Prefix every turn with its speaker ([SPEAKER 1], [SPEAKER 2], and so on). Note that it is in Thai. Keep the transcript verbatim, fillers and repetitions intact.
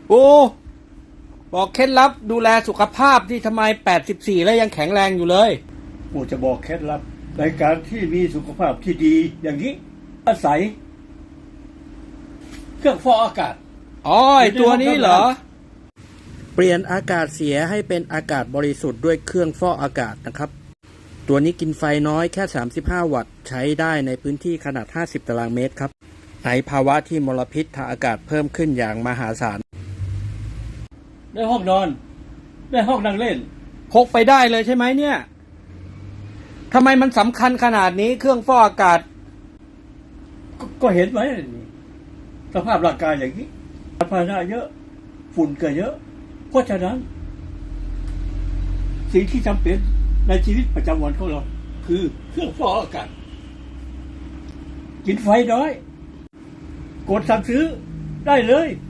[SPEAKER 1] โอ้บอกเคล็ดลับดูแลสุขภาพที่ทำไมแปดสิบสี่แล้วยังแข็งแรงอยู่เลย
[SPEAKER 2] กูจะบอกเคล็ดลับในการที่มีสุขภาพที่ดีอย่างนี้อาศัยเครื่องฟอกอากาศ
[SPEAKER 1] อ๋อไอตัวนี้เหรอเปลี่ยนอากาศเสียให้เป็นอากาศบริสุทธิ์ด้วยเครื่องฟอกอากาศนะครับตัวนี้กินไฟน้อยแค่สามสิบห้าวัตต์ใช้ได้ในพื้นที่ขนาดห้าสิบตารางเมตรครับในภาวะที่มลพิษทางอากาศเพิ่มขึ้นอย่างมหาศาล
[SPEAKER 2] ในห้องนอนในห้องนั่งเล่น
[SPEAKER 1] พกไปได้เลยใช่ไหมเนี่ยทำไมมันสำคัญขนาดนี้เครื่องฟอกอากาศ
[SPEAKER 2] ก, ก็เห็นไหมสภาพร่างกายอย่างนี้ภาระเยอะฝุ่นก็เยอะเพราะฉะนั้นสิ่งที่จำเป็นในชีวิตประจำวันของเราคือเครื่องฟอกอากาศกินไฟน้อยกดสั่งซื้อได้เลย